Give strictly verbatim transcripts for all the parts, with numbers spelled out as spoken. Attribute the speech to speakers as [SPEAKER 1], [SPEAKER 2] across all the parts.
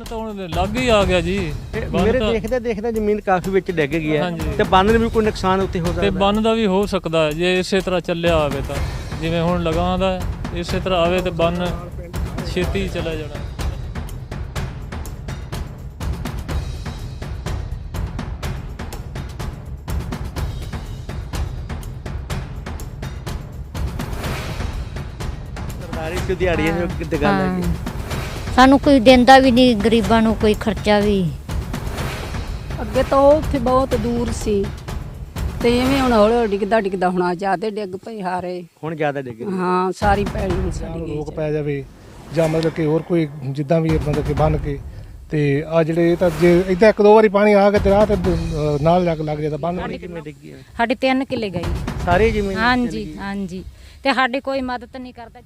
[SPEAKER 1] ਤਾਂ ਹੁਣ ਲੱਗ ਹੀ ਆ ਗਿਆ ਜੀ।
[SPEAKER 2] ਮੇਰੇ ਦੇਖਦੇ ਦੇਖਦੇ ਜ਼ਮੀਨ ਕਾਫੀ ਵਿੱਚ ਡਿੱਗ ਗਈ ਹੈ ਤੇ ਬੰਨ ਨੂੰ ਵੀ ਕੋਈ ਨੁਕਸਾਨ ਉੱਤੇ ਹੋ ਸਕਦਾ
[SPEAKER 1] ਤੇ ਬੰਨ ਦਾ ਵੀ ਹੋ ਸਕਦਾ ਹੈ ਜੇ ਇਸੇ ਤਰ੍ਹਾਂ ਚੱਲਿਆ ਆਵੇ ਤਾਂ, ਜਿਵੇਂ ਹੁਣ ਲਗਾਉਂਦਾ ਹੈ ਇਸੇ ਤਰ੍ਹਾਂ ਆਵੇ ਤੇ ਬੰਨ ਛੇਤੀ ਚਲਾ ਜਾਣਾ।
[SPEAKER 2] ਸਰਦਾਰੀ ਚ ਦਿਹਾੜੀ ਹੈ ਕਿਤੇ ਗੱਲ ਹੈਗੀ।
[SPEAKER 3] ਸਾਨੂੰ ਕੋਈ ਦਿੰਦਾ ਵੀ ਨਹੀਂ, ਗਰੀਬਾਂ ਨੂੰ ਕੋਈ ਖਰਚਾ ਵੀ।
[SPEAKER 4] ਅੱਗੇ ਤਾਂ ਉਹ ਉੱਥੇ ਬਹੁਤ ਦੂਰ ਸੀ ਤੇ ਐਵੇਂ ਹੁਣ ਹੌਲੀ ਹੌਲੀ ਡਿੱਗਦਾ ਡਿੱਗਦਾ ਹੁਣ ਜ਼ਿਆਦਾ ਡਿੱਗ ਪਈ ਹਾਰੇ।
[SPEAKER 2] ਹੁਣ ਜ਼ਿਆਦਾ ਡਿੱਗ ਗਈ।
[SPEAKER 4] ਹਾਂ ਸਾਰੀ ਪੈਲੀ ਸਾਡੀ ਗਈ।
[SPEAKER 5] ਲੋਕ ਪੈ ਜਾਵੇ ਜਾਂ ਮਤਲਬ ਕਿ ਹੋਰ ਕੋਈ ਜਿੱਦਾਂ ਵੀ ਮਤਲਬ ਕਿ ਬੰਨ ਕੇ ਤੇ ਆ ਜਿਹੜੇ ਇਹ ਤਾਂ ਜੇ ਇੱਦਾਂ ਇੱਕ ਦੋ ਵਾਰੀ ਪਾਣੀ ਆ ਗਿਆ ਤੇ ਰਾਹ ਤੇ ਨਾਲ ਲੱਗ ਲੱਗ ਜਾਂਦਾ ਬੰਨ।
[SPEAKER 2] ਕਿਵੇਂ ਡਿੱਗੀ ਹੈ?
[SPEAKER 3] ਸਾਡੇ ਤਿੰਨ ਕਿੱਲੇ ਗਈ।
[SPEAKER 2] ਸਾਰੀ ਜ਼ਮੀਨ
[SPEAKER 3] ਹਾਂਜੀ ਹਾਂਜੀ, ਤੇ ਸਾਡੀ ਕੋਈ ਮਦਦ ਨਹੀਂ ਕਰਦਾ।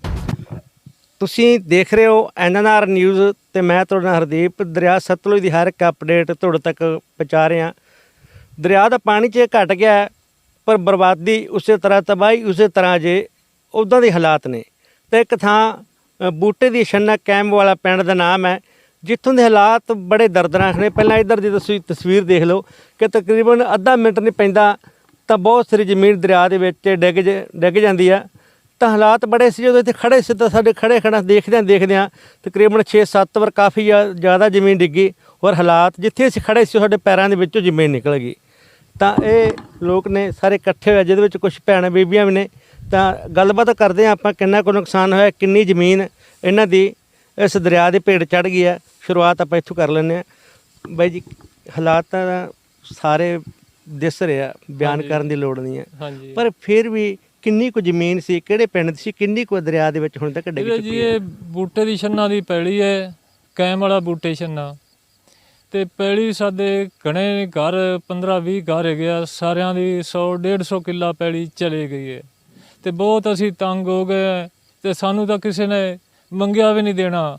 [SPEAKER 2] ਤੁਸੀਂ ਦੇਖ ਰਹੇ ਹੋ ਐਨ ਐਨ ਆਰ ਨਿਊਜ਼ ਤੇ ਮੈਂ ਤੁਹਾਡਾ ਹਰਦੀਪ। ਦਰਿਆ ਸਤਲੁਜ ਦੀ ਹਰ ਇੱਕ ਅਪਡੇਟ ਤੁਹਾਡੇ ਤੱਕ ਪਹੁੰਚਾ ਰਹੇ ਹਾਂ। ਦਰਿਆ ਦਾ ਪਾਣੀ 'ਚ ਘਟ ਗਿਆ ਹੈ, ਪਰ ਬਰਬਾਦੀ ਉਸੇ ਤਰ੍ਹਾਂ, ਤਬਾਹੀ ਉਸੇ ਤਰ੍ਹਾਂ ਜੇ ਉੱਦਾਂ ਦੇ ਹਾਲਾਤ ਨੇ। ਤੇ ਇੱਕ ਥਾਂ ਬੂਟੇ ਦੀ ਛੰਨਾ ਕੈਂਪ ਵਾਲਾ ਪਿੰਡ ਦਾ ਨਾਮ ਹੈ, ਜਿੱਥੋਂ ਦੇ ਹਾਲਾਤ ਬੜੇ ਦਰਦਨਾਕ ਨੇ। ਪਹਿਲਾਂ ਇੱਧਰ ਦੀ ਤੁਸੀਂ ਤਸਵੀਰ ਦੇਖ ਲਓ ਕਿ ਤਕਰੀਬਨ ਅੱਧਾ ਮਿੰਟ ਨਹੀਂ ਪੈਂਦਾ ਤਾਂ ਬਹੁਤ ਸਾਰੀ ਜ਼ਮੀਨ ਦਰਿਆ ਦੇ ਵਿੱਚ ਡਿੱਗ ਜ ਡਿੱਗ ਜਾਂਦੀ ਆ। ਤਾਂ ਹਾਲਾਤ ਬੜੇ ਸੀ ਜਦੋਂ ਇੱਥੇ ਖੜੇ ਸੀ ਤਾਂ ਸਾਡੇ ਖੜੇ ਖੜਾ ਦੇਖਦਿਆਂ ਦੇਖਦਿਆਂ ਤਕਰੀਬਨ ਛੇ ਸੱਤ ਵਾਰ ਕਾਫੀ ਜ਼ਿਆਦਾ ਜ਼ਮੀਨ ਡਿੱਗੀ। ਔਰ ਹਾਲਾਤ ਜਿੱਥੇ ਅਸੀਂ ਖੜੇ ਸੀ ਸਾਡੇ ਪੈਰਾਂ ਦੇ ਵਿੱਚੋਂ ਜ਼ਮੀਨ ਨਿਕਲ ਗਈ। ਤਾਂ ਇਹ ਲੋਕ ਨੇ ਸਾਰੇ ਇਕੱਠੇ ਹੋਏ, ਜਿਹਦੇ ਵਿੱਚ ਕੁਝ ਭੈਣਾਂ ਬੀਬੀਆਂ ਵੀ ਨੇ। ਤਾਂ ਗੱਲਬਾਤ ਕਰਦੇ ਹਾਂ ਆਪਾਂ, ਕਿੰਨਾ ਕੁ ਨੁਕਸਾਨ ਹੋਇਆ, ਕਿੰਨੀ ਜ਼ਮੀਨ ਇਹਨਾਂ ਦੀ ਇਸ ਦਰਿਆ ਦੇ ਭੇਟ ਚੜ੍ਹ ਗਈ ਹੈ। ਸ਼ੁਰੂਆਤ ਆਪਾਂ ਇੱਥੋਂ ਕਰ ਲੈਂਦੇ ਹਾਂ। ਬਾਈ ਜੀ, ਹਾਲਾਤ ਤਾਂ ਸਾਰੇ ਦਿਸ ਰਿਹਾ, ਬਿਆਨ ਕਰਨ ਦੀ ਲੋੜ ਨਹੀਂ ਹੈ, ਪਰ ਫਿਰ ਵੀ ਕਿੰਨੀ ਕੁ ਜ਼ਮੀਨ ਸੀ, ਕਿਹੜੇ ਪਿੰਡ ਦੀ ਸੀ, ਕਿੰਨੀ ਕੁ ਦਰਿਆ ਦੇ ਵਿੱਚ ਹੁਣ ਤੱਕ ਡਿੱਗ ਚੁੱਕੀ
[SPEAKER 1] ਜੀ? ਇਹ ਬੂਟੇ ਦੀ ਛੰਨਾ ਦੀ ਪੈਲੀ ਹੈ, ਕੈਮ ਵਾਲਾ ਬੂਟੇ ਛੰਨਾ। ਤੇ ਪੈਲੀ ਸਾਡੇ ਘਣੇ ਘਰ ਪੰਦਰਾਂ ਵੀਹ ਘਰ ਹੈਗੇ ਆ, ਸਾਰਿਆਂ ਦੀ ਸੌ ਡੇਢ ਸੌ ਕਿੱਲਾ ਪੈਲੀ ਚਲੇ ਗਈ ਹੈ। ਤੇ ਬਹੁਤ ਅਸੀਂ ਤੰਗ ਹੋ ਗਏ ਤੇ ਸਾਨੂੰ ਤਾਂ ਕਿਸੇ ਨੇ ਮੰਗਿਆ ਵੀ ਨਹੀਂ ਦੇਣਾ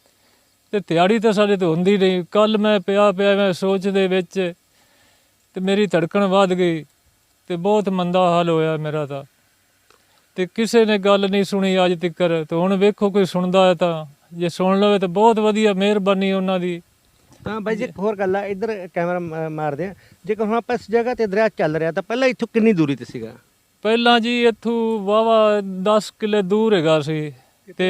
[SPEAKER 1] ਤੇ ਦਿਹਾੜੀ ਤਾਂ ਸਾਡੇ ਤੋਂ ਹੁੰਦੀ ਨਹੀਂ। ਕੱਲ ਮੈਂ ਪਿਆ ਪਿਆ ਮੈਂ ਸੋਚ ਦੇ ਵਿੱਚ ਤੇ ਮੇਰੀ ਧੜਕਣ ਵੱਧ ਗਈ ਤੇ ਬਹੁਤ ਮੰਦਾ ਹਾਲ ਹੋਇਆ ਮੇਰਾ ਤਾਂ। ਤੇ ਕਿਸੇ ਨੇ ਗੱਲ ਨਹੀਂ ਸੁਣੀ ਅੱਜ ਤੱਕ। ਤੇ ਹੁਣ ਵੇਖੋ ਕੋਈ ਸੁਣਦਾ ਹੈ ਤਾਂ ਜੇ ਸੁਣ ਲਵੇ ਤਾਂ ਬਹੁਤ ਵਧੀਆ, ਮਿਹਰਬਾਨੀ ਉਹਨਾਂ ਦੀ।
[SPEAKER 2] ਤਾਂ ਬਾਈ ਜੀ ਇੱਕ ਹੋਰ ਗੱਲ ਆ, ਇੱਧਰ ਕੈਮਰਾ ਮਾਰਦੇ ਆ। ਜੇਕਰ ਹੁਣ ਆਪਾਂ ਇਸ ਜਗ੍ਹਾ ਤੇ ਦਰਿਆ ਚੱਲ ਰਿਹਾ ਤਾਂ ਪਹਿਲਾਂ ਇੱਥੋਂ ਕਿੰਨੀ ਦੂਰੀ ਤੇ ਸੀਗਾ?
[SPEAKER 1] ਪਹਿਲਾਂ ਜੀ ਇੱਥੋਂ ਵਾਹਵਾ ਦਸ ਕਿੱਲੇ ਦੂਰ ਹੈਗਾ ਸੀ ਤੇ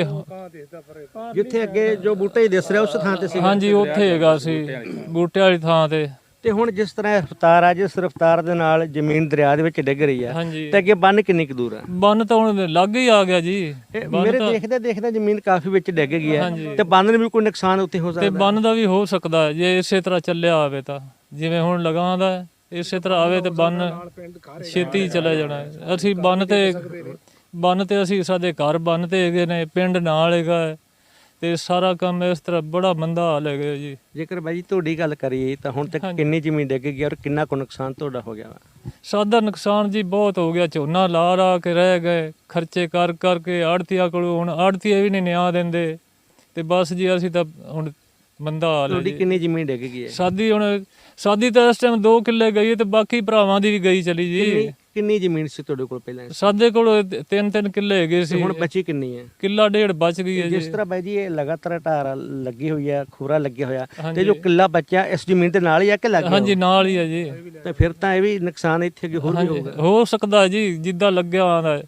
[SPEAKER 2] ਜਿੱਥੇ ਅੱਗੇ ਜੋ ਬੂਟੇ ਹੀ ਦਿਸ ਰਿਹਾ ਉਸ ਥਾਂ ਤੇ ਸੀ।
[SPEAKER 1] ਹਾਂਜੀ, ਉੱਥੇ ਹੈਗਾ ਸੀ ਬੂਟੇ ਵਾਲੀ ਥਾਂ ਤੇ।
[SPEAKER 2] ਤੇ ਹੁਣ ਜਿਸ ਤਰ੍ਹਾਂ ਰਫਤਾਰ ਆ, ਜਿਸ ਰਫਤਾਰ ਦੇ ਨਾਲ ਜ਼ਮੀਨ ਦਰਿਆ ਦੇ ਵਿੱਚ ਡਿੱਗ ਰਹੀ ਆ, ਤੇ ਅੱਗੇ ਬੰਨ ਕਿੰਨੀ ਕੁ ਦੂਰ ਆ?
[SPEAKER 1] ਬੰਨ ਤਾਂ ਹੁਣ ਲੱਗ ਹੀ ਆ ਗਿਆ ਜੀ।
[SPEAKER 2] ਮੇਰੇ ਦੇਖਦੇ ਦੇਖਦੇ ਜ਼ਮੀਨ ਕਾਫੀ ਵਿੱਚ ਡਿੱਗ ਗਈ ਹੈ ਤੇ ਬੰਨ ਨੂੰ ਵੀ ਕੋਈ ਨੁਕਸਾਨ ਉੱਤੇ ਹੋ ਸਕਦਾ।
[SPEAKER 1] ਤੇ ਬੰਨ ਦਾ ਵੀ ਹੋ ਸਕਦਾ ਹੈ ਜੇ ਇਸੇ ਤਰ੍ਹਾਂ ਚੱਲਿਆ ਆਵੇ ਤਾਂ, ਜਿਵੇਂ ਹੁਣ ਲਗਾਉਂਦਾ ਹੈ ਇਸੇ ਤਰ੍ਹਾਂ ਆਵੇ ਤੇ ਬੰਨ ਛੇਤੀ ਚਲਾ ਜਾਣਾ। ਅਸੀਂ ਬੰਨ ਤੇ ਬੰਨ ਤੇ ਅਸੀਂ ਸਾਡੇ ਘਰ ਬੰਨ ਤੇ ਹੈਗੇ ਨੇ, ਪਿੰਡ ਨਾਲ ਹੈਗਾ ਤੇ ਸਾਰਾ ਕੰਮ ਇਸ ਤਰ੍ਹਾਂ ਬੜਾ ਮੰਦਾ ਹਾਲ ਹੈਗਾ ਜੀ।
[SPEAKER 2] ਜੇਕਰ ਬਾਈ ਤੁਹਾਡੀ ਗੱਲ ਕਰੀਏ ਤਾਂ ਹੁਣ ਤੱਕ ਕਿੰਨੀ ਜ਼ਮੀਨ ਡਿੱਗ ਗਈ ਔਰ ਕਿੰਨਾ ਕੁ ਨੁਕਸਾਨ ਤੁਹਾਡਾ ਹੋ ਗਿਆ ਵਾ?
[SPEAKER 1] ਸਾਡਾ ਨੁਕਸਾਨ ਜੀ ਬਹੁਤ ਹੋ ਗਿਆ। ਝੋਨਾ ਲਾ ਲਾ ਕੇ ਰਹਿ ਗਏ, ਖਰਚੇ ਕਰ ਕਰਕੇ ਆੜਤੀਆਂ ਕੋਲੋਂ। ਹੁਣ ਆੜਤੀਏ ਵੀ ਨਹੀਂ ਨਿਆਂ ਦਿੰਦੇ ਤੇ ਬਸ ਜੀ ਅਸੀਂ ਤਾਂ ਹੁਣ ਮੰਦਾ ਹਾਲ ਹੈ।
[SPEAKER 2] ਤੁਹਾਡੀ ਕਿੰਨੀ ਜ਼ਮੀਨ ਡਿੱਗ ਗਈ ਹੈ?
[SPEAKER 1] ਸਾਡੀ ਹੁਣ ਸਾਡੀ ਤਾਂ ਇਸ ਟਾਈਮ ਦੋ ਕਿੱਲੇ ਗਈ ਤੇ ਬਾਕੀ ਭਰਾਵਾਂ ਦੀ ਵੀ ਗਈ ਚਲੀ ਜੀ।
[SPEAKER 2] ਕਿੰਨੀ ਜ਼ਮੀਨ ਸੀ ਤੁਹਾਡੇ ਕੋਲ ਪਹਿਲਾਂ?
[SPEAKER 1] ਸਾਡੇ ਕੋਲ ਤਿੰਨ ਤਿੰਨ ਕਿੱਲੇ ਹੈਗੇ ਸੀ।
[SPEAKER 2] ਹੁਣ ਬਚੀ ਕਿੰਨੀ ਹੈ?
[SPEAKER 1] ਕਿੱਲਾ ਡੇਢ ਬਚ ਗਈ ਹੈ ਜੀ।
[SPEAKER 2] ਜਿਸ ਤਰ੍ਹਾਂ ਬਾਈ ਜੀ ਇਹ ਲਗਾਤਾਰ ਢਾਰ ਲੱਗੀ ਹੋਈ ਹੈ, ਖੂਰਾ ਲੱਗਿਆ ਹੋਇਆ, ਤੇ ਜੋ ਕਿੱਲਾ ਬਚਿਆ ਇਸ ਜ਼ਮੀਨ ਦੇ ਨਾਲ ਹੀ ਆ ਕਿ ਲੱਗ ਗਿਆ?
[SPEAKER 1] ਹਾਂਜੀ, ਨਾਲ ਹੀ ਹੈ ਜੀ।
[SPEAKER 2] ਤੇ ਫਿਰ ਤਾਂ ਇਹ ਵੀ ਨੁਕਸਾਨ ਇੱਥੇ ਅੱਗੇ ਹੋਰ ਵੀ ਹੋਊਗਾ।
[SPEAKER 1] ਹੋ ਸਕਦਾ ਜੀ, ਜਿੱਦਾਂ ਲੱਗਿਆ ਆਉਂਦਾ।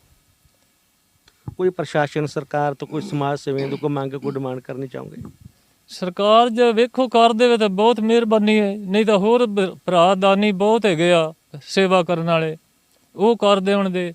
[SPEAKER 2] ਕੋਈ ਪ੍ਰਸ਼ਾਸਨ, ਸਰਕਾਰ ਤੋਂ, ਕੋਈ ਸਮਾਜ ਸੇਵੀਆਂ ਤੋਂ ਕੋਈ ਮੰਗ, ਕੋਈ ਡਿਮਾਂਡ ਕਰਨੀ ਚਾਹੋਗੇ?
[SPEAKER 1] ਸਰਕਾਰ ਜੇ ਵੇਖੋ ਕਰ ਦੇਵੇ ਤਾਂ ਬਹੁਤ ਮਿਹਰਬਾਨੀ ਹੈ, ਨਹੀਂ ਤਾਂ ਹੋਰ ਭਰਾ ਦਾਨੀ ਬਹੁਤ ਹੈਗੇ ਆ ਸੇਵਾ ਕਰਨ ਵਾਲੇ, ਉਹ ਕਰ ਦੇਣ ਦੇ।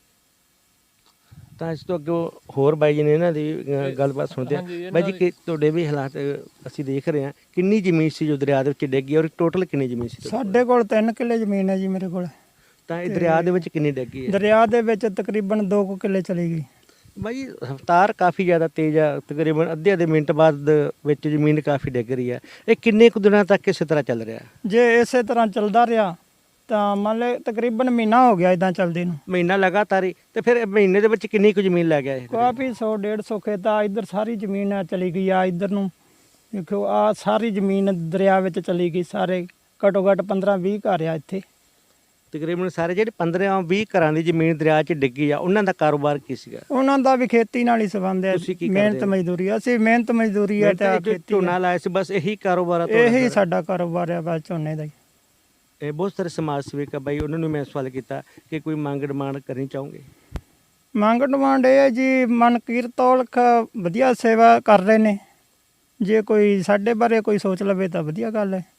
[SPEAKER 2] ਤਾਂ ਇਸ ਤੋਂ ਅੱਗੇ ਹੋਰ ਬਾਈ ਜੀ ਨੇ ਇਹਨਾਂ ਦੀ ਗੱਲਬਾਤ ਸੁਣਦੇ ਆ। ਬਾਈ ਜੀ ਕਿ ਤੁਹਾਡੇ ਵੀ ਹਾਲਾਤ ਅਸੀਂ ਦੇਖ ਰਹੇ ਹਾਂ, ਕਿੰਨੀ ਜ਼ਮੀਨ ਸੀ ਜੋ ਦਰਿਆ ਦੇ ਵਿੱਚ ਡਿੱਗੀ ਔਰ ਟੋਟਲ ਕਿੰਨੀ ਜ਼ਮੀਨ ਸੀ?
[SPEAKER 6] ਸਾਡੇ ਕੋਲ ਤਿੰਨ ਕਿੱਲੇ ਜ਼ਮੀਨ ਹੈ ਜੀ ਮੇਰੇ ਕੋਲ।
[SPEAKER 2] ਤਾਂ ਇਹ ਦਰਿਆ ਦੇ ਵਿੱਚ ਕਿੰਨੀ ਡਿੱਗੀ ਹੈ?
[SPEAKER 6] ਦਰਿਆ ਦੇ ਵਿੱਚ ਤਕਰੀਬਨ ਦੋ ਕੁ ਕਿੱਲੇ ਚਲੀ ਗਈ।
[SPEAKER 2] ਬਾਈ ਰਫਤਾਰ ਕਾਫੀ ਜ਼ਿਆਦਾ ਤੇਜ਼ ਆ, ਤਕਰੀਬਨ ਅੱਧੇ ਅੱਧੇ ਮਿੰਟ ਬਾਅਦ ਵਿੱਚ ਜ਼ਮੀਨ ਕਾਫੀ ਡਿੱਗ ਰਹੀ ਹੈ। ਇਹ ਕਿੰਨੇ ਕੁ ਦਿਨਾਂ ਤੱਕ ਇਸੇ ਤਰ੍ਹਾਂ ਚੱਲ ਰਿਹਾ?
[SPEAKER 6] ਜੇ ਇਸੇ ਤਰ੍ਹਾਂ ਚੱਲਦਾ ਰਿਹਾ ਤਾਂ ਮੰਨ ਲਓ ਤਕਰੀਬਨ ਮਹੀਨਾ ਹੋ ਗਿਆ ਇਦਾਂ ਚੱਲਦੇ ਨੂੰ।
[SPEAKER 2] ਮਹੀਨਾ ਲਗਾਤਾਰ ਹੀ? ਤੇ ਫਿਰ ਮਹੀਨੇ ਦੇ ਵਿੱਚ ਕਿੰਨੀ ਕੁ ਜ਼ਮੀਨ ਲੈ ਗਿਆ ਇਹ?
[SPEAKER 6] ਕਾਫੀ ਸੌ ਡੇਢ ਸੌ ਖੇਤ ਆ, ਇੱਧਰ ਸਾਰੀ ਜ਼ਮੀਨ ਆ ਚਲੀ ਗਈ ਆ। ਇੱਧਰ ਨੂੰ ਦੇਖੋ ਆ ਸਾਰੀ ਜ਼ਮੀਨ ਦਰਿਆ ਵਿੱਚ ਚਲੀ ਗਈ। ਸਾਰੇ ਘੱਟੋ ਘੱਟ ਪੰਦਰਾਂ ਵੀਹ ਘਰ ਆ ਇੱਥੇ।
[SPEAKER 2] ਤਕਰੀਬਨ ਸਾਰੇ ਜਿਹੜੇ ਪੰਦਰਾਂ ਵੀਹ ਘਰਾਂ ਦੀ ਜ਼ਮੀਨ ਦਰਿਆ 'ਚ ਡਿੱਗੀ ਆ ਉਹਨਾਂ ਦਾ ਕਾਰੋਬਾਰ ਕੀ ਸੀਗਾ?
[SPEAKER 6] ਉਹਨਾਂ ਦਾ ਵੀ ਖੇਤੀ ਨਾਲ ਹੀ ਸੰਬੰਧ ਹੈ।
[SPEAKER 2] ਤੁਸੀਂ ਕੀ ਕਰਦੇ
[SPEAKER 6] ਮਿਹਨਤ
[SPEAKER 2] ਹੋ?
[SPEAKER 6] ਮਜ਼ਦੂਰੀ ਅਸੀਂ ਮਿਹਨਤ ਮਜ਼ਦੂਰੀ ਹੈ ਤੇ ਆਹ
[SPEAKER 2] ਜੋ
[SPEAKER 6] ਖੇਤੀ
[SPEAKER 2] ਝੋਨਾ
[SPEAKER 6] ਹੈ।
[SPEAKER 2] ਲਾਇਆ ਸੀ ਬਸ ਇਹੀ ਕਾਰੋਬਾਰ ਆ ਤੁਹਾਡਾ?
[SPEAKER 6] ਇਹੀ ਸਾਡਾ ਕਾਰੋਬਾਰ ਹੈ ਬਸ ਝੋਨੇ ਦਾ ਹੀ।
[SPEAKER 2] ਇਹ ਬਹੁਤ ਸਾਰੇ ਸਮਾਜ ਸੇਵਕ ਆ ਬਾਈ, ਉਹਨਾਂ ਨੂੰ ਮੈਂ ਸਵਾਲ ਕੀਤਾ ਕਿ ਕੋਈ ਮੰਗ ਡਿਮਾਂਡ ਕਰਨੀ ਚਾਹੋਗੇ?
[SPEAKER 6] ਮੰਗ ਡਿਮਾਂਡ ਇਹ ਹੈ ਜੀ, ਮਨਕੀਰਤ ਔਲਖ ਵਧੀਆ ਸੇਵਾ ਕਰ ਰਹੇ ਨੇ, ਜੇ ਕੋਈ ਸਾਡੇ ਬਾਰੇ ਕੋਈ ਸੋਚ ਲਵੇ ਤਾਂ ਵਧੀਆ ਗੱਲ ਹੈ।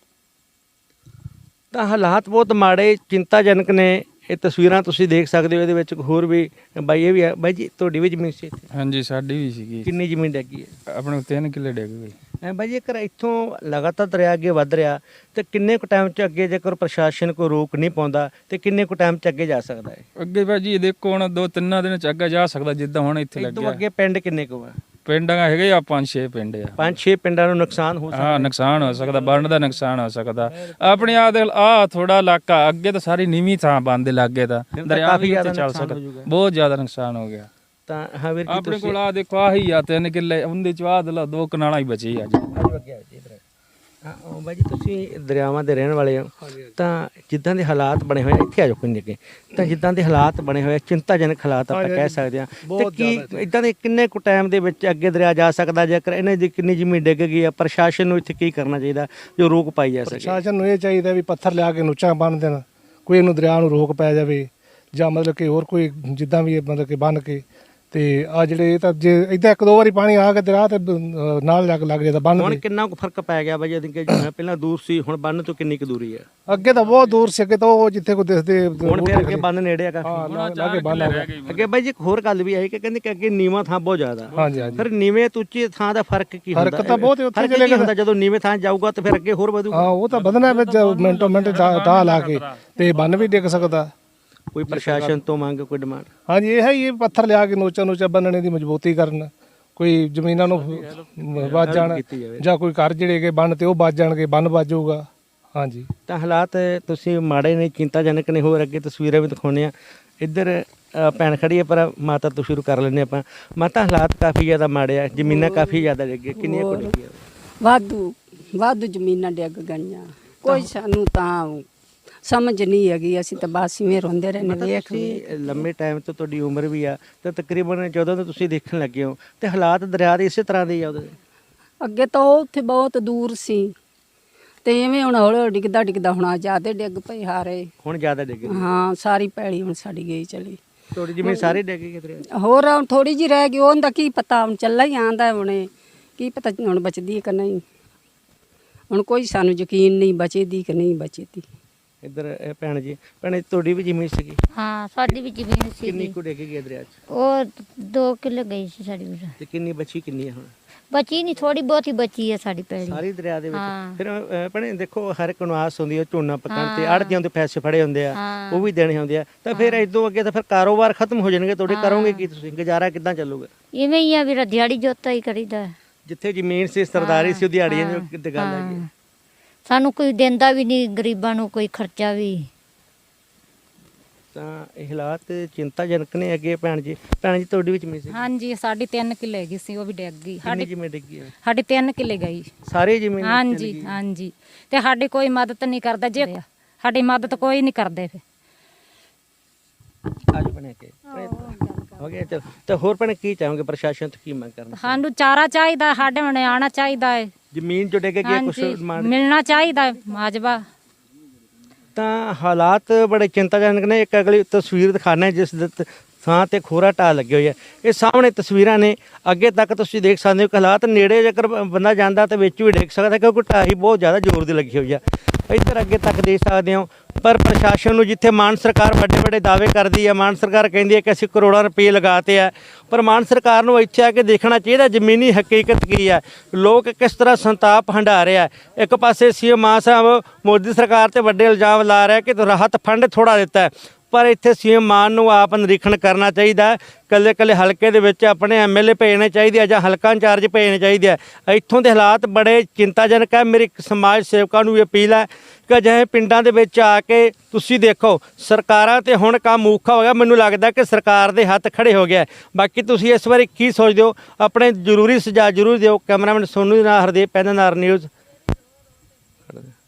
[SPEAKER 2] ਤਾਂ ਹਾਲਾਤ ਬਹੁਤ ਮਾੜੇ ਚਿੰਤਾਜਨਕ ਨੇ। ਇਹ ਤਸਵੀਰਾਂ ਤੁਸੀਂ ਦੇਖ ਸਕਦੇ ਹੋ, ਇਹਦੇ ਵਿੱਚ ਹੋਰ ਵੀ ਬਾਈ ਇਹ ਵੀ ਹੈ। ਬਾਈ ਜੀ ਤੁਹਾਡੀ ਵੀ ਜ਼ਮੀਨ ਸੀ ਇੱਥੇ?
[SPEAKER 7] ਹਾਂਜੀ ਸਾਡੀ ਵੀ ਸੀਗੀ।
[SPEAKER 2] ਕਿੰਨੀ ਜ਼ਮੀਨ ਡਿੱਗੀ ਹੈ?
[SPEAKER 7] ਆਪਣੇ ਤਿੰਨ ਕਿੱਲੇ ਡਿੱਗ ਗਏ।
[SPEAKER 2] ਐ ਬਾਈ ਜੇਕਰ ਇੱਥੋਂ ਲਗਾਤਾਰ ਦਰਿਆ ਅੱਗੇ ਵੱਧ ਰਿਹਾ ਤੇ ਕਿੰਨੇ ਕੁ ਟਾਈਮ 'ਚ ਅੱਗੇ ਜੇਕਰ ਪ੍ਰਸ਼ਾਸਨ ਕੋਈ ਰੋਕ ਨਹੀਂ ਪਾਉਂਦਾ ਤੇ ਕਿੰਨੇ ਕੁ ਟਾਈਮ 'ਚ ਅੱਗੇ ਜਾ ਸਕਦਾ ਹੈ?
[SPEAKER 7] ਅੱਗੇ ਭਾਜੀ ਦੇਖੋ ਹੁਣ ਦੋ ਤਿੰਨਾਂ ਦਿਨ ਚ ਅੱਗੇ ਜਾ ਸਕਦਾ, ਜਿੱਦਾਂ ਹੁਣ ਇੱਥੇ
[SPEAKER 2] ਇਹ ਤੋਂ
[SPEAKER 7] ਲੱਗਿਆ।
[SPEAKER 2] ਅੱਗੇ ਪਿੰਡ ਕਿੰਨੇ ਕੁ ਆ?
[SPEAKER 7] ਪਿੰਡਾਂ ਹੈਗੇ ਆ ਪੰਜ ਛੇ ਪਿੰਡ ਆ।
[SPEAKER 2] ਪੰਜ ਛੇ ਪਿੰਡਾਂ ਨੂੰ ਨੁਕਸਾਨ ਹੋ ਸਕਦਾ?
[SPEAKER 7] ਹਾਂ ਨੁਕਸਾਨ ਹੋ ਸਕਦਾ, ਬੰਨ ਦਾ ਨੁਕਸਾਨ ਹੋ ਸਕਦਾ। ਆਪਣੇ ਆ ਦੇ ਆ ਥੋੜਾ ਇਲਾਕਾ ਅੱਗੇ ਤਾਂ ਸਾਰੀ ਨੀਵੀਂ ਥਾਂ ਬੰਦ ਦੇ ਲੱਗੇ ਤਾਂ
[SPEAKER 2] ਤਾਂ
[SPEAKER 7] ਦਰਿਆ
[SPEAKER 2] ਕਾਫੀ
[SPEAKER 7] ਵੀ
[SPEAKER 2] ਜ਼ਿਆਦਾ
[SPEAKER 7] ਉੱਤੇ ਚੱਲ
[SPEAKER 2] ਨੁਕਸਾਨ
[SPEAKER 7] ਸਕਦਾ।
[SPEAKER 2] ਹੋ ਜਾਊਗਾ।
[SPEAKER 7] ਬਹੁਤ ਜ਼ਿਆਦਾ ਨੁਕਸਾਨ ਹੋ ਗਿਆ।
[SPEAKER 2] ਤਾਂ ਹਾਂ ਵੀਰ ਜੀ
[SPEAKER 7] ਆਪਣੇ
[SPEAKER 2] ਤੁਸੀਂ
[SPEAKER 7] ਕੋਲ ਆ ਦੇਖੋ ਆਹੀ ਆ ਤਿੰਨ ਕਿੱਲੇ, ਉਹਦੇ ਚ ਆਹ ਦੇ ਦੋ ਕਨਾਲਾਂ ਹੀ ਬਚੀ ਆ ਜੀ।
[SPEAKER 2] ਹਾਂ ਉਹ ਬਾਈ ਜੀ ਤੁਸੀਂ ਦਰਿਆਵਾਂ ਦੇ ਰਹਿਣ ਵਾਲੇ ਹੋ, ਤਾਂ ਜਿੱਦਾਂ ਦੇ ਹਾਲਾਤ ਬਣੇ ਹੋਏ ਆ, ਇੱਥੇ ਆ ਜਾਓ ਕੋਈ ਅੱਗੇ, ਤਾਂ ਜਿੱਦਾਂ ਦੇ ਹਾਲਾਤ ਬਣੇ ਹੋਏ ਆ, ਚਿੰਤਾਜਨਕ ਹਾਲਾਤ ਆਪਾਂ ਕਹਿ ਸਕਦੇ ਹਾਂ। ਤੇ ਕੀ ਇਦਾਂ ਦੇ ਕਿੰਨੇ ਕੁ ਟਾਈਮ ਦੇ ਵਿੱਚ ਅੱਗੇ ਦਰਿਆ ਜਾ ਸਕਦਾ, ਜੇਕਰ ਇਹਨਾਂ ਦੀ ਕਿੰਨੀ ਜ਼ਮੀਨ ਡਿੱਗ ਗਈ ਆ? ਪ੍ਰਸ਼ਾਸਨ ਨੂੰ ਇੱਥੇ ਕੀ ਕਰਨਾ ਚਾਹੀਦਾ ਜੋ ਰੋਕ ਪਾਈ ਜਾ ਸਕੇ?
[SPEAKER 5] ਪ੍ਰਸ਼ਾਸਨ ਨੂੰ ਇਹ ਚਾਹੀਦਾ ਵੀ ਪੱਥਰ ਲਿਆ ਕੇ ਨੁੱਚਾਂ ਬੰਨ੍ਹ ਦੇਣ, ਕੋਈ ਇਹਨੂੰ ਦਰਿਆ ਨੂੰ ਰੋਕ ਪੈ ਜਾਵੇ, ਜਾਂ ਮਤਲਬ ਕਿ ਹੋਰ ਕੋਈ ਜਿੱਦਾਂ ਵੀ ਇਹ ਮਤਲਬ ਕਿ ਬੰਨ੍ਹ ਕੇ। ਤੇ ਆ ਜਿਹੜੇ ਇਹ ਤਾਂ ਜੇ ਇੱਦਾਂ ਇੱਕ ਦੋ ਵਾਰੀ ਪਾਣੀ ਆ ਕੇ ਦਰਿਆ ਤੇ ਅਹ, ਨਾਲ ਲੱਗ ਲੱਗ ਜਾਂਦਾ ਬੰਨ੍ਹ
[SPEAKER 2] ਹੁਣ
[SPEAKER 5] ਦੇ।
[SPEAKER 2] ਕਿੰਨਾ ਕੁ ਫਰਕ ਪੈ ਗਿਆ ਬਾਈ ਜੀ? ਕਿ ਪਹਿਲਾਂ ਦੂਰ ਸੀ, ਹੁਣ ਬੰਨ ਤੋਂ ਕਿੰਨੀ ਕੁ ਦੂਰੀ ਹੈ?
[SPEAKER 5] ਅੱਗੇ ਤਾਂ ਬਹੁਤ ਦੂਰ ਸੀ, ਅੱਗੇ ਤਾਂ ਉਹ ਜਿੱਥੇ ਕੋਈ ਦਿਸਦੇ
[SPEAKER 2] ਹੁਣ ਫਿਰ ਅੱਗੇ ਬੰਨ ਨੇੜੇ ਆ ਕਾਫੀ।
[SPEAKER 5] ਹਾਂ ਲਾਗੇ ਬੰਨ ਆ ਗਿਆ।
[SPEAKER 2] ਅੱਗੇ ਬਾਈ ਜੀ ਇੱਕ ਹੋਰ ਗੱਲ ਵੀ ਆਈ ਕਿ ਕਹਿੰਦੇ ਕਿ ਅੱਗੇ ਨੀਵਾਂ ਥਾਂ ਬਹੁਤ ਜ਼ਿਆਦਾ।
[SPEAKER 5] ਹਾਂਜੀ ਹਾਂਜੀ
[SPEAKER 2] ਫਿਰ ਨੀਵੇਂ ਤੇ ਉੱਚੀ ਥਾਂ ਦਾ ਫਰਕ ਕੀ ਹੁੰਦਾ?
[SPEAKER 5] ਫਰਕ ਤਾਂ ਬਹੁਤ ਹੈ, ਉੱਥੇ
[SPEAKER 2] ਫਰਕ
[SPEAKER 5] ਚਲੇ
[SPEAKER 2] ਕੀ ਹੁੰਦਾ ਜਦੋਂ ਨੀਵੇਂ ਥਾਂ ਜਾਊਗਾ ਤਾਂ ਫਿਰ ਅੱਗੇ ਹੋਰ ਵਧੂਗਾ?
[SPEAKER 5] ਹਾਂ ਉਹ ਤਾਂ ਵਧਣਾ ਵਿੱਚ ਮਿੰਟੋ ਮਿੰਟ ਦਾ ਲਾ ਕੇ ਤੇ ਬੰਨ ਵੀ ਡਿੱਗ ਸਕਦਾ।
[SPEAKER 2] ਕੋਈ ਪ੍ਰਸ਼ਾਸਨ ਤੋਂ ਮੰਗ, ਕੋਈ ਡਿਮਾਂਡ?
[SPEAKER 5] ਹਾਂਜੀ ਇਹ ਹੈ ਹੀ, ਇਹ ਪੱਥਰ ਲਿਆ ਕੇ ਨੋਚਾ ਨੋਚਾ ਬੰਨਣੇ ਦੀ ਮਜ਼ਬੂਤੀ ਕਰਨ, ਕੋਈ ਜ਼ਮੀਨਾਂ ਨੂੰ ਵੱਜ ਜਾਣ, ਜਾਂ ਕੋਈ ਘਰ ਜਿਹੜੇ ਹੈਗੇ ਬੰਨ ਤੇ ਉਹ ਵੱਜ ਜਾਣਗੇ, ਬੰਨ ਵੱਜੂਗਾ। ਹਾਂਜੀ
[SPEAKER 2] ਤਾਂ ਹਾਲਾਤ ਤੁਸੀਂ ਮਾੜੇ ਨੇ, ਚਿੰਤਾਜਨਕ ਨੇ। ਹੋਰ ਅੱਗੇ ਤਸਵੀਰਾਂ ਵੀ ਦਿਖਾਉਂਦੇ ਆ। ਇੱਧਰ ਅ, ਭੈਣ ਖੜੀ ਹੈ, ਪਰ ਮਾਤਾ ਤੋਂ ਸ਼ੁਰੂ ਕਰ ਲੈਂਦੇ ਆਪਾਂ। ਮਾਤਾ ਹਾਲਾਤ ਕਾਫੀ ਜ਼ਿਆਦਾ ਮਾੜੇ ਆ, ਜ਼ਮੀਨਾਂ ਕਾਫੀ ਜ਼ਿਆਦਾ ਡਿੱਗੀਆਂ, ਕਿੰਨੀਆਂ ਕੁ ਡਿੱਗੀਆਂ?
[SPEAKER 4] ਵਾਧੂ ਵਾਧੂ ਜ਼ਮੀਨਾਂ ਡਿੱਗ ਗਈਆਂ। ਕੋਈ ਸਾਨੂੰ ਤਾਂ ਸਮਝ ਨਹੀਂ ਹੈਗੀ, ਅਸੀਂ ਤਾਂ ਬਸ ਇਵੇਂ ਰੋਂਦੇ ਰਹਿੰਦੇ ਵੇਖ ਵੇਖ।
[SPEAKER 2] ਤੁਸੀਂ ਲੰਮੇ ਟਾਈਮ ਤੋਂ ਤੁਹਾਡੀ ਉਮਰ ਵੀ ਆ, ਤਾਂ ਤਕਰੀਬਨ ਜਦੋਂ ਤੋਂ ਤੁਸੀਂ ਦੇਖਣ ਲੱਗੇ ਹੋ ਤੇ ਹਾਲਾਤ ਦਰਿਆ ਦੇ ਇਸੇ ਤਰ੍ਹਾਂ ਦੇ ਹੀ ਆ ਉਹਦੇ?
[SPEAKER 4] ਅੱਗੇ ਤਾਂ ਉਹ ਉੱਥੇ ਬਹੁਤ ਦੂਰ ਸੀ ਤੇ ਐਵੇਂ ਹੁਣ ਹੌਲੀ ਹੌਲੀ ਡਿੱਗਦਾ ਡਿੱਗਦਾ ਹੁਣ ਜ਼ਿਆਦਾ ਡਿੱਗ ਪਈ ਹਾਰੇ।
[SPEAKER 2] ਹੁਣ ਜ਼ਿਆਦਾ ਡਿੱਗ ਗਏ?
[SPEAKER 4] ਹਾਂ ਸਾਰੀ ਪੈਲੀ ਹੁਣ ਸਾਡੀ ਗਈ ਚਲੀ।
[SPEAKER 2] ਤੁਹਾਡੀ ਜਿਵੇਂ ਸਾਰੇ ਡਿੱਗ ਗਏ ਦਰਿਆ 'ਚ?
[SPEAKER 4] ਹੋਰ ਹੁਣ ਥੋੜੀ ਜਿਹੀ ਰਹਿ ਗਈ, ਉਹਦਾ ਕੀ ਪਤਾ, ਹੁਣ ਚੱਲਾ ਹੀ ਆਂਦਾ ਹੁਣੇ, ਕੀ ਪਤਾ ਹੁਣ ਬਚਦੀ ਕਿ ਨਹੀਂ। ਹੁਣ ਕੋਈ ਸਾਨੂੰ ਯਕੀਨ ਨਹੀਂ ਬਚੇਦੀ ਕਿ ਨਹੀਂ ਬਚੇਦੀ।
[SPEAKER 2] ਇੱਧਰ ਇਹ ਭੈਣ ਜੀ, ਭੈਣ ਜੀ ਤੁਹਾਡੀ ਵੀ ਜ਼ਮੀਨ ਸੀਗੀ?
[SPEAKER 3] ਹਾਂ ਸਾਡੀ ਵੀ ਜ਼ਮੀਨ
[SPEAKER 2] ਕਿੰਨੀ
[SPEAKER 3] ਸੀ,
[SPEAKER 2] ਕੁ ਡਿੱਗ ਗਈ ਦਰਿਆ 'ਚ?
[SPEAKER 3] ਉਹ ਦੋ ਕਿੱਲੇ ਗਈ ਸੀ ਸਾਡੀ ਵੀ।
[SPEAKER 2] ਤੇ ਕਿੰਨੀ ਬਚੀ, ਕਿੰਨੀ ਹੈ ਹੁਣ?
[SPEAKER 3] ਬਚੀ ਨਹੀਂ, ਥੋੜੀ ਬਹੁਤੀ ਬਚੀ ਹੈ ਸਾਡੀ ਪੈਲੀ।
[SPEAKER 2] ਸਾਰੀ ਦਰਿਆ ਦੇ ਵਿੱਚ?
[SPEAKER 3] ਹਾਂ।
[SPEAKER 2] ਫਿਰ ਅ, ਭੈਣੇ ਦੇਖੋ ਹਰ ਇੱਕ ਨੂੰ ਆਸ ਹੁੰਦੀ ਹੈ ਝੋਨਾ ਪੱਕਣ ਤੇ, ਆੜ੍ਹਤੀਆਂ ਦੇ ਪੈਸੇ ਫੜੇ ਹੁੰਦੇ ਆ,
[SPEAKER 3] ਹਾਂ।
[SPEAKER 2] ਉਹ ਵੀ ਦੇਣੇ ਹੁੰਦੇ ਆ, ਤਾਂ ਫਿਰ ਇਦੋਂ ਅੱਗੇ ਤਾਂ ਫਿਰ ਕਾਰੋਬਾਰ ਖਤਮ ਹੋ ਜਾਣਗੇ ਤੁਹਾਡੇ। ਕਰੋਗੇ ਕੀ ਤੁਸੀਂ? ਗੁਜ਼ਾਰਾ ਕਿੱਦਾਂ ਚੱਲੂਗਾ?
[SPEAKER 3] ਇਵੇਂ ਹੀ ਆ ਵੀਰ, ਦਿਹਾੜੀ ਜੋਤਾ ਹੀ ਕਰੀਦਾ।
[SPEAKER 2] ਜਿੱਥੇ ਜ਼ਮੀਨ ਸੀ, ਸਰਦਾਰੀ ਸੀ, ਉਹ ਦਿਹਾੜੀਆਂ ਦੀ ਕਿਤੇ ਗੱਲ ਹੈਗੀ ਹੈ।
[SPEAKER 3] ਸਾਨੂੰ ਕੋਈ ਦਿੰਦਾ ਵੀ ਨਹੀਂ, ਗਰੀਬਾਂ ਨੂੰ ਕੋਈ ਖਰਚਾ ਵੀ।
[SPEAKER 2] ਤਾਂ ਇਹ ਹਾਲਾਤ ਚਿੰਤਾਜਨਕ ਨੇ। ਅੱਗੇ ਭੈਣ ਜੀ, ਭੈਣ ਜੀ ਤੁਹਾਡੀ ਵੀ ਜ਼ਮੀਨ ਸੀ?
[SPEAKER 8] ਹਾਂਜੀ ਸਾਡੀ ਤਿੰਨ ਕਿੱਲੇ ਹੈਗੀ ਸੀ, ਉਹ ਵੀ ਡਿੱਗ ਗਈ।
[SPEAKER 2] ਕਿੰਨੀ
[SPEAKER 8] ਸਾਡੀ
[SPEAKER 2] ਜ਼ਮੀਨ ਡਿੱਗੀ ਹੈ?
[SPEAKER 8] ਸਾਡੀ ਤਿੰਨ ਕਿੱਲੇ ਗਈ।
[SPEAKER 2] ਸਾਰੀ ਜ਼ਮੀਨ
[SPEAKER 8] ਹਾਂਜੀ ਹਾਂਜੀ, ਤੇ ਸਾਡੀ ਕੋਈ ਮਦਦ ਨਹੀਂ ਕਰਦਾ, ਜੇ ਸਾਡੀ ਮਦਦ ਕੋਈ ਨਹੀਂ ਕਰਦੇ ਫਿਰ।
[SPEAKER 2] ਅੱਜ ਬਣੇ ਕੇ ਹੋ ਗਿਆ ਚਲ। ਤਾਂ ਹੋਰ ਭੈਣੇ ਕੀ ਚਾਹੋਗੇ ਪ੍ਰਸ਼ਾਸਨ ਤੋਂ, ਕੀ ਮੰਗ ਕਰਨਾ?
[SPEAKER 8] ਸਾਨੂੰ ਚਾਰਾ ਚਾਹੀਦਾ, ਸਾਡੇ ਹੁਣੇ ਆਉਣਾ ਚਾਹੀਦਾ ਹੈ।
[SPEAKER 2] ਜ਼ਮੀਨ ਜੋ ਡਿੱਗ ਗਈ ਕੁਝ
[SPEAKER 8] ਹਾਂਜੀ
[SPEAKER 2] ਡਿਮਾਂਡ?
[SPEAKER 8] ਮਿਲਣਾ ਚਾਹੀਦਾ ਹੈ ਮਾਜਬਾ।
[SPEAKER 2] ਤਾਂ ਹਾਲਾਤ ਬੜੇ ਚਿੰਤਾਜਨਕ ਨੇ। ਇੱਕ ਅਗਲੀ ਤਸਵੀਰ ਦਿਖਾਣਾ ਜਿਸ ਦੇ ਤ- ਥਾਂ ਤੇ ਖੋਰਾ ਢਾਹ ਲੱਗੇ ਹੋਏ ਆ। ਇਹ ਸਾਹਮਣੇ ਤਸਵੀਰਾਂ ਨੇ, ਅੱਗੇ ਤੱਕ ਤੁਸੀਂ ਦੇਖ ਸਕਦੇ ਹੋ ਕਿ ਹਾਲਾਤ ਨੇੜੇ ਜੇਕਰ ਬ- ਬੰਦਾ ਜਾਂਦਾ ਤਾਂ ਵਿੱਚ ਵੀ ਡਿੱਗ ਸਕਦਾ, ਕਿਉਂਕਿ ਢਾਹੀ ਬਹੁਤ ਜ਼ਿਆਦਾ ਜ਼ੋਰ ਦੀ ਲੱਗੀ ਹੋਈ ਆ। ਇੱਧਰ ਅੱਗੇ ਤੱਕ ਦੇਖ ਸਕਦੇ ਹੋ। ਪਰ ਪ੍ਰਸ਼ਾਸਨ ਨੂੰ, ਜਿੱਥੇ ਮਾਨ ਸਰਕਾਰ ਵੱਡੇ ਵੱਡੇ ਦਾਅਵੇ ਕਰਦੀ ਹੈ, ਮਾਨ ਸਰਕਾਰ ਕਹਿੰਦੀ ਹੈ ਕਿ ਅਸੀਂ ਕਰੋੜਾਂ ਰੁਪਏ ਲਗਾਤੇ ਆ, ਪਰ ਮਾਨ ਸਰਕਾਰ ਨੂੰ ਇੱਥੇ ਆ ਕੇ ਦੇਖਣਾ ਚਾਹੀਦਾ ਜ਼ਮੀਨੀ ਹਕੀਕਤ ਕੀ ਹੈ, ਲੋਕ ਕਿਸ ਤਰ੍ਹਾਂ ਸੰਤਾਪ ਹੰਢਾ ਰਿਹਾ। ਇੱਕ ਪਾਸੇ ਸੀਐਮ ਮਾਨ ਸਾਹਿਬ ਮੋਦੀ ਸਰਕਾਰ ਤੇ ਵੱਡੇ ਇਲਜ਼ਾਮ ਲਾ ਰਿਹਾ ਕਿ ਰਾਹਤ ਫੰਡ ਥੋੜਾ ਦਿੱਤਾ ਹੈ, ਪਰ ਇੱਥੇ ਸੀਐਮ ਮਾਨ ਨੂੰ ਆਪ ਨਿਰੀਖਣ ਕਰਨਾ ਚਾਹੀਦਾ। ਕੱਲੇ ਕੱਲੇ ਹਲਕੇ ਦੇ ਵਿੱਚ ਆਪਣੇ ਐਮਐਲਏ ਭੇਜਣੇ ਚਾਹੀਦੇ ਆ, ਜਾਂ ਹਲਕਾ ਇੰਚਾਰਜ ਭੇਜਣੇ ਚਾਹੀਦੇ ਆ। ਇੱਥੋਂ ਦੇ ਹਾਲਾਤ ਬੜੇ ਚਿੰਤਾਜਨਕ ਹੈ। ਮੇਰੀ ਸਮਾਜ ਸੇਵਕਾਂ ਨੂੰ ਵੀ ਅਪੀਲ ਹੈ ਕਿ ਅਜਿਹੇ ਪਿੰਡਾਂ ਦੇ ਵਿੱਚ ਆ ਕੇ ਤੁਸੀਂ ਦੇਖੋ, ਸਰਕਾਰਾਂ ਤੇ ਹੁਣ ਕੰਮ ਔਖਾ ਹੋ ਗਿਆ। ਮੈਨੂੰ ਲੱਗਦਾ ਕਿ ਸਰਕਾਰ ਦੇ ਹੱਥ ਖੜੇ ਹੋ ਗਿਆ। ਬਾਕੀ ਤੁਸੀਂ ਇਸ ਬਾਰੇ ਕੀ ਸੋਚਦੇ ਹੋ? ਆਪਣੇ ਜ਼ਰੂਰੀ ਸੁਝਾਅ ਜ਼ਰੂਰ ਦਿਓ। ਕੈਮਰਾਮੈਨ ਸੋਨੂ ਦੇ ਨਾਲ ਹਰਦੀਪ, ਪੈਨਨਾਰ ਨਿਊਜ਼।